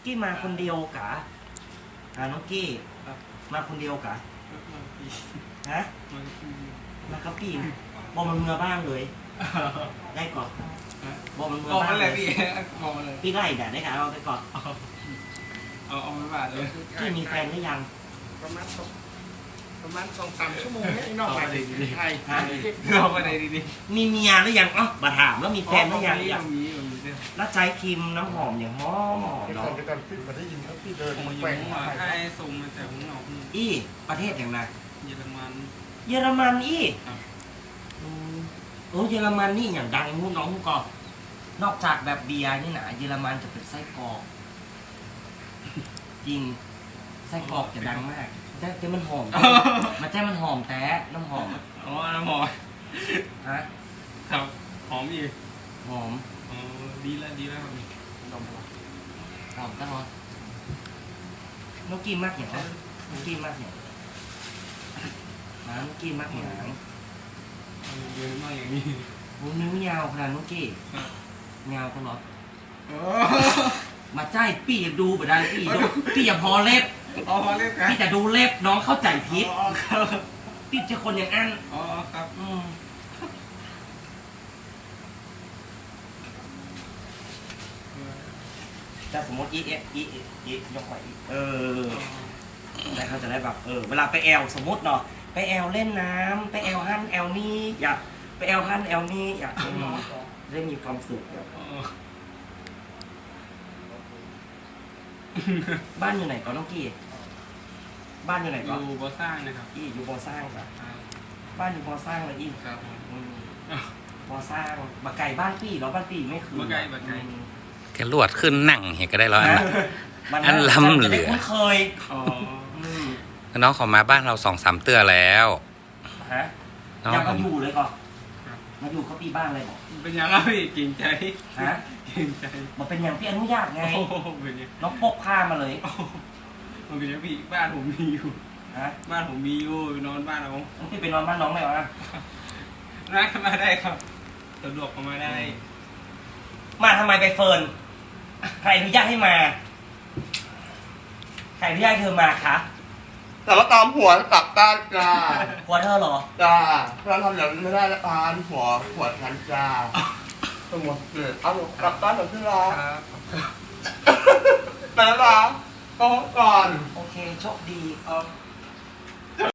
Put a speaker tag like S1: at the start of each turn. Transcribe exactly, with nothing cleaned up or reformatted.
S1: กี้มาคนเดียวกะอ่าน้องกี้มาคนเดียวกะฮะมาครับพี่บอกมันเมื่อบ้างเลยได้ก่อนบอกมันเมื่อ
S2: บอก
S1: บ้า
S2: มาง เล
S1: เลย ย
S2: พี่บอกมาเลย
S1: พี่ไล่ด่าได้ค่ะเอาไปก่อน
S2: เอาเอาไม่บาดเลย
S1: พี่มีแฟนหรือยัง
S3: ประมาณสองประมาณสองสามชั่วโมงให้นอกไปไทย
S1: ฮะ
S2: เอาไปไหนดี
S1: มีเมียหรือยังอ๋อมาถามแล้วมี
S2: ๆ
S1: แฟนหรือยัง
S2: ยังมียังมีเนี่ย
S1: แล้วใจครีมน้ำหอมอย่างหอมหอม
S3: พี่ตอ
S1: เนาะ
S3: นพี่ตอนพี่มาได้ยินครับพี่เดิน
S2: ผมอยู่
S3: แกว่ง
S2: หัว
S3: ไท
S2: ไอ้
S3: ย
S2: ส่งมาแต่ผมออก
S1: อี้ประเทศอย่างไร
S2: เยอรมัน
S1: เยอรมันอี้
S2: ครับ
S1: อืมโอ้เยอรมันนี่อย่างดังหูน้องก่อนนอกจากแบบเบียร์นี่นะเยอรมันจะเป็นไส้กรอกจริงไส้กรอกจะดังมากแต่แต่มันหอม มันแต่มันหอมแต่น้ำหอม
S2: อ๋อน้ำหอม
S1: ฮะ
S2: ครับหอมอีก
S1: หอม
S2: อ๋อดีแล้วดีแล้วครับ
S1: หอมตลอดน้องกินมากอย่างนะน้องกินมากอย่างน้องกินมากอย่าง
S2: เยอะมากอย่างนี้
S1: มึงนิ้วยาวขนาดน้องกี้ยาวตลอด
S2: อ๋อ
S1: มาใจพี่อย่าดูไปได้พี่ดูพี่อย่าพอเล็บ
S2: อ๋อเรียกกัน
S1: พี่จะดูเล็บน้องเข้าใจผิด
S2: อ๋อครับ
S1: พี่จะคนอย่างอัน
S2: อ๋อครับ
S1: อืมแต่สมมติอีเอฟอีเอฟอียกไหวอีเออแต่เขาจะได้แบบเออเวลาไปแอลสมมติเนาะไปแอลเล่นน้ำไปแอลฮั่นแอลนี่อยากไปแอลฮั่นแอลนี่อยากอืมได้มีความสุขแบบ
S2: อ๋อ
S1: บ้านอยู่ไหนก่อนน้องกี้บ้านอยู่ไหน
S2: อ
S1: ก่อน
S2: ยู่บ่อสร้างนะครับ
S1: อีอยู่บอสร้างครับ
S2: ครับ
S1: บ้านอยู่บอสร้างเลยอี
S2: ครับ
S1: อืมบอสร้างมาไก่บ้านพี่เหรอบ้านพี่ไม่คือ
S2: บ่ไกลบ่ไกล
S1: อืม
S4: แค่ลวดขึ้นนั่งเห็นก็ได้แล้วอัน
S1: นะ
S4: น่ะ
S1: มัน
S4: อันล้ำเหลือ
S1: จะได้คุ้นเคย
S2: อ๋อ
S1: อืม
S4: น้องเขอมาบ้านเราสองสามเตื้อแล้ว
S1: ฮะ
S4: น้อง
S1: อยาก
S4: ผ
S1: มาม อยู่เลยก่อนมาอยู่เขาปีบ้านเลยบอก
S2: เป็นยังไงพี่เก่งใจ
S1: ฮะ
S2: เก่งใจ
S1: มาเป็นอย่างพี่อนุญาตไง
S2: โอ้โหเป็นยัง
S1: น้องพกผ้ามาเลย
S2: โอ้โหมันเป็นยังพี่บ้านผมมีอยู่
S1: ฮะ
S2: บ้านผมมีอยู่นอนบ้านเรา
S1: พี่ไปนอนบ้านน้องเลยวะ
S2: นั่งมาได้ครับสะดวกเข้ามาได้
S1: มาทำไมไปเฟิร์นใครอนุญาตให้มาใครอนุญาตให้เธอมาคะ
S3: แต่ว่าตามหัวกลับด้านจ้า
S1: หัวเธอเหรอ
S3: จ้าเราทำอย่างนั้นไม่ได้ละอานหัวหัวฉันจ้าสมมติเกิดเอากลับบ้านแบบที่รัก
S2: ครับ
S3: ไปแล้วนะก็ก่อน
S1: โอเคโชคดี
S2: เอา